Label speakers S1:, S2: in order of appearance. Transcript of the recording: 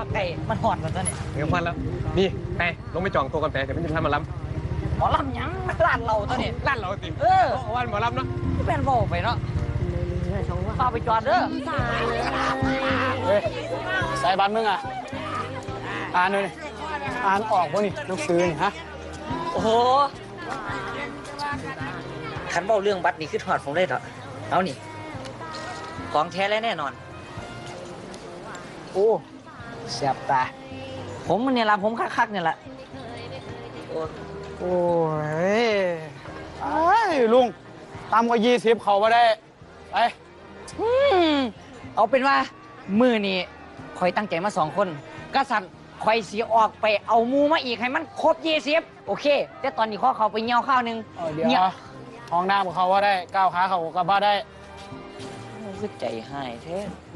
S1: ว่าไก่มันหอดกันซะเนี่ย
S2: เดี๋ยวควันแล้วนี่ไปลงไปจองตัวกันไปเดี๋ยวมันจะพามาล้ำ
S1: หมอลำหยังร้านเราตัวนี้
S2: ร้านเราติ
S1: เออ
S2: วันหมอล้ำเนาะ
S1: แม่นบอกไปเนาะพาไปจอดเด้อ
S3: เฮ้ยสายบัตรมึงอ่ะอ่านเลยอ่านออกวะนี่หนังสือนี่ฮะ
S1: โอ้โหคันเบ้าเรื่องบัตรนี่คือถอดผมเลยเถอะเอานี่ของแท้และแน่นอน
S3: โอ้แสบตา
S1: ผมเนี่ยละผมคักๆเนี่ยละโอ้
S3: โอ้ยไอ้ลุงตามกว่า20เขามาได้ไป
S1: อืมเอาเป็นว่ามือนี่คอยตั้งใจมา2 คนกษัตริย์คอยสีออกไปเอาหมูมาอีกให้มันครบ20โอเค แต่ตอนนี้ข้อเขาไปเงี้ยวข้าวหนึง
S3: เดี๋ยว
S1: นี่
S3: ห้องน้ำของเขาว่าได้ก้าวขาเขากับบ้าได้
S1: คือใจหายแท้